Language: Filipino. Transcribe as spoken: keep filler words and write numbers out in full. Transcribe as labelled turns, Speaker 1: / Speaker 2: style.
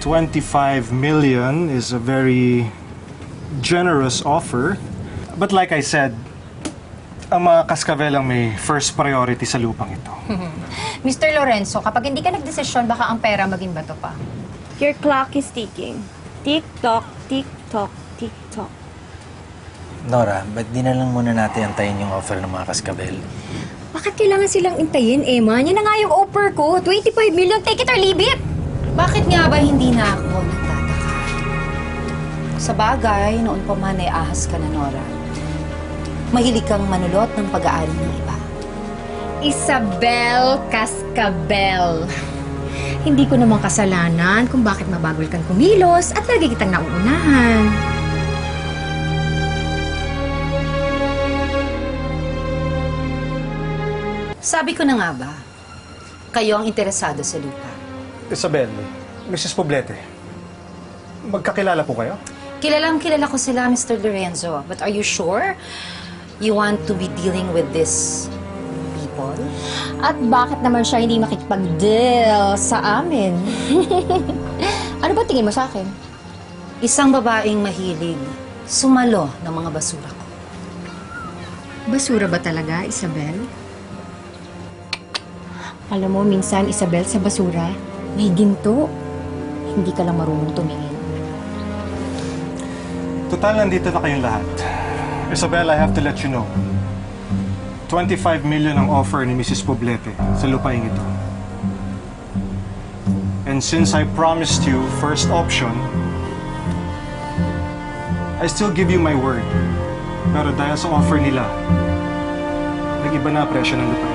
Speaker 1: twenty-five million is a very generous offer. But like I said, ang mga Cascabel ang may first priority sa lupang ito.
Speaker 2: Mister Lorenzo, kapag hindi ka nagdesisyon, baka ang pera maging bato pa.
Speaker 3: Your clock is ticking. Tick-tock, tick-tock, tick-tock.
Speaker 4: Nora, ba't di na lang muna natin antayin yung offer ng mga Cascabel?
Speaker 5: Bakit kailangan silang intayin, Emma? Yan na nga yung offer ko. twenty-five million, take it or leave it!
Speaker 2: Bakit nga ba hindi na ako nagtataka? Sa bagay, noon pa man ay ahas ka na, Nora. Mahilig kang manulot ng pag-aari ng iba.
Speaker 5: Isabel Cascabel. Hindi ko namang kasalanan kung bakit mabagol kang kumilos at lagi kitang nauunahan.
Speaker 2: Sabi ko na nga ba, kayo ang interesado sa lupa.
Speaker 1: Isabel, Missus Poblete, magkakilala po kayo?
Speaker 2: Kilalang kilala ko sila, Mister Lorenzo. But are you sure you want to be dealing with these people?
Speaker 5: At bakit naman siya hindi makikipag-deal sa amin? Ano ba tingin mo sa akin?
Speaker 2: Isang babaeng mahilig sumalo ng mga basura ko.
Speaker 5: Basura ba talaga, Isabel? Alam mo, minsan, Isabel, sa basura, may ginto. Hindi ka lang marunong tumingin.
Speaker 1: Total, nandito na kayong lahat. Isabel, I have to let you know. twenty-five million ang offer ni Missus Poblete sa lupaing ito. And since I promised you first option, I still give you my word. Pero dahil sa offer nila, nag-iba na presyo ng lupaing.